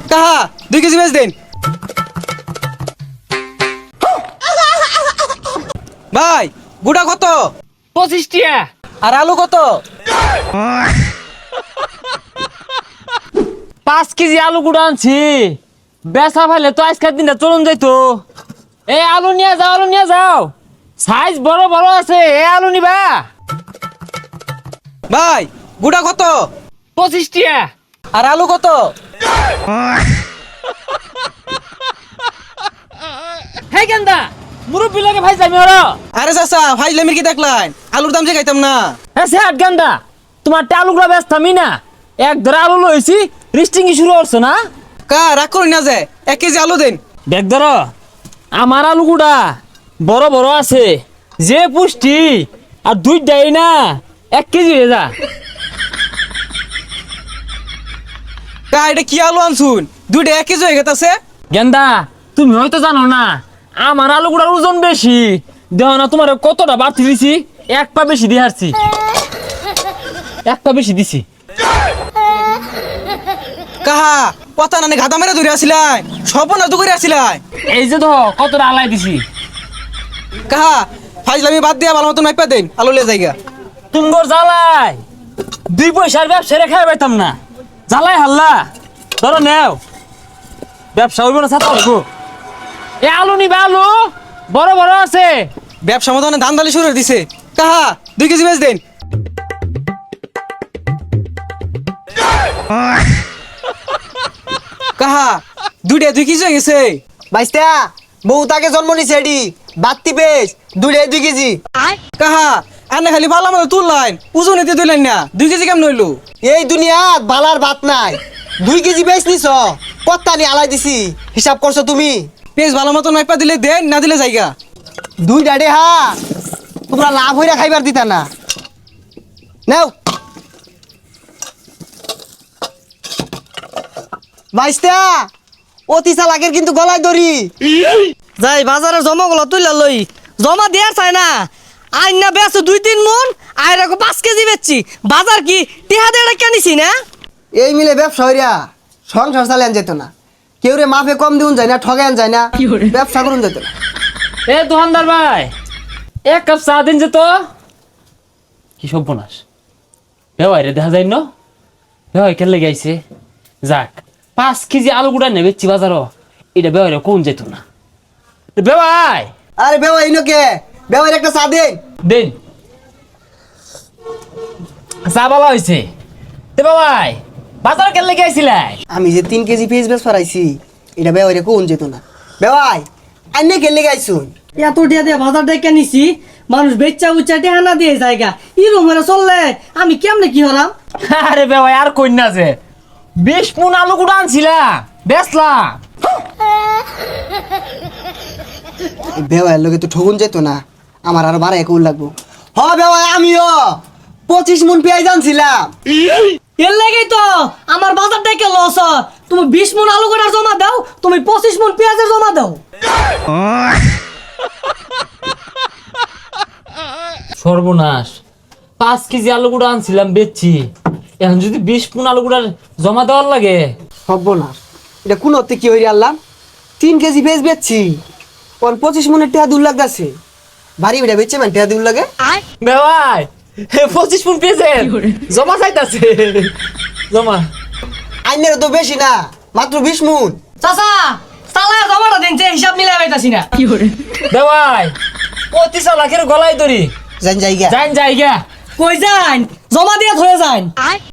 কাহা 2 কেজি বেচ দেন ভাই গুড়া কত 25 টিয়া। আর আলু কত 5 কেজি আলু গুঁড়া আনছি, বেচা ফেলে তো আজকের দিনটা চলুন যাইতো। এই আলু নিয়ে যাও, আলু নিয়ে যাও, সাইজ বড় বড় আছে। এই আলু নিবা? ভাই গুড়া কত 25 টিয়া। আর আলু কত হে গেন্দা, মুরব্বি লাগে ভাই যাবি ওরা। আরে চাচা ফাইজলামির কি দেখলেন আলুর দাম যে খাইতাম না হ্যাঁ সে গেন্দা, তোমার আলুগুলা বেচতামই না, এক ধরে আলু লইছি, রিস্টিং শুরু করছো না? কা রাগ করি না যে 1 কেজি আলু দেন দেখ ধর, আমার আলুগুড়া বড় বড় আছে, যে পুষ্টি, আর 2টাই না 1 কেজি হয়ে যা। কা এটা কি আলু আনছুন 2টা 1 কেজি হয়ে গেছে গেন্দা, তুমি হয়তো জানো না, আমার আলুগুড়ার ওজন বেশি, দেহ না তোমার কতটা বাড়তি দিছি, 1 পা বেশি দিয়ে হারছি, 1 পা বেশি দিছি। কাহা কথা নানি গাদা মেরে ধরে আসিলাই সব না তো করে আসিলাই এই যে তো কতটা আলাই দিছি। কাহা ফাইজলামি বাদ দিয়া ভালো মতন মাইপা দেন আলু লে জায়গা তুমগর জ্বালাই 2 পয়সার ব্যবসা রেখে পাইতাম না, জ্বালাই হাল্লা ধরো নেও, ব্যবসা হইব না ছাতা হইব। এ আলু নিবা, আলু বড় বড় আছে। ব্যবসা মতো ধান দালি শুরু করে দিছে কাহা 2 কেজি বেচ দেন কাহা 2টা 2 কেজি হয়ে গেছে বাইস্তা বউ তাকে জন্ম নিছে এডি বাত্তি পেস 2 কেজি। কাহা আনে খালি ভালো মতো তুললাইন ওজন এতে তুললেন না 2 কেজি কেমন হইলো এই দুনিয়াত বালার ভাত নাই, 2 কেজি বেচ নিছ, কত্তানি আলাই দিছি, হিসাব করছো তুমি? পেঁচ ভালো মতন মাইপা দিলে দেন না দিলে জায়গা 2টা ডে হা, তোমরা লাভ হইরা খাইবার দিতা না। নাও বাইস্তা, অতি চালাকের কিন্তু গলায় দড়ি। যাই বাজারে জমা গুলো তুইলা লই, জমা দেয়ার চাই না, আইন না বেছো 2-3 মন, আইরা 5 কেজি বেচছি, বাজার কি টিহা দিয়ে কেনিছি না? এই মিলে ব্যবসা হইরা সংসার চালান যেত না, কেউ রে মাফে কম দিউন যায় না, ঠগান যায় না, ব্যবসা করুন যেত না। এ দোকানদার ভাই, 1 কাপ চা দিন যে তো। কি সর্বনাশ, বেওয়াইরে দেখা যায় না, বেওয়াই কেলে গাইছে। যাক 5 কেজি আলু গুড়া নেবেছি বাজারও, এটা বেওয়াইরে কোন যেত না। বেওয়াই আরে বেওয়া ইনোকে বেওয়ার একটা চা দেন। দিন চা বলা হয়েছে। তে বেওয়াই বাজার কেলে গাইছিলাই? আমি যে 3 কেজি পেঁয়াজ বেশ ফরাইছি, এটা বেওয়ারে কোন যেত না। বেওয়াই আইনে গেলে গাইছুন, এত টিহা দিয়ে বাজার দিয়ে কেনিছি, মানুষ বেচা উচ্চা টিহা না দিয়ে জায়গা ইরম হয়ে চললে আমি কেমনে কি হলাম? আরে বেওয়াই আর কই না যে 20 মণ আলু গুড়া আনছিলাম, বেচলাম। বেওয়ার লোকে তো ঠগুন যেত না, আমার আরো 12 একুল লাগবো। হ বেওয়াই আমিও 25 মণ পেঁয়াজ আনছিলাম। এর লাগেই তো আমার বাজার থেকে লস হয়। তুমি 20 মন আলু গোটা জমা দাও, তুমি 25 মন পেঁয়াজের জমা দাও। সর্বনাশ, 5 কেজি আলু গুঁড়া আনছিলাম বেচছি, এখন যদি 20 মণ আলু গুঁড়ার জমা দেওয়ার লাগে। হব না, এটা কোন অর্থে কি হইরে আনলাম? 3 কেজি পেঁয়াজ বেচছি, ওর 25 মণের টেহা দূর লাগতেছে, ভারী বেটা বেচছে মানে টেহা দূর লাগে। বেওয়াই 25 মণ পেয়েছে, জমা চাইতাছে, জমা। আইনের তো বেশি না, মাত্র 20 মণ। চাচা চালা জমাটা দিন, যে হিসাব মিলাই পাইতাছি না। বেওয়াই 25 লাখের গলায় দড়ি, জান জায়গা যাইন জায়গা। কই যান, জমা দিয়ে ধরে যান।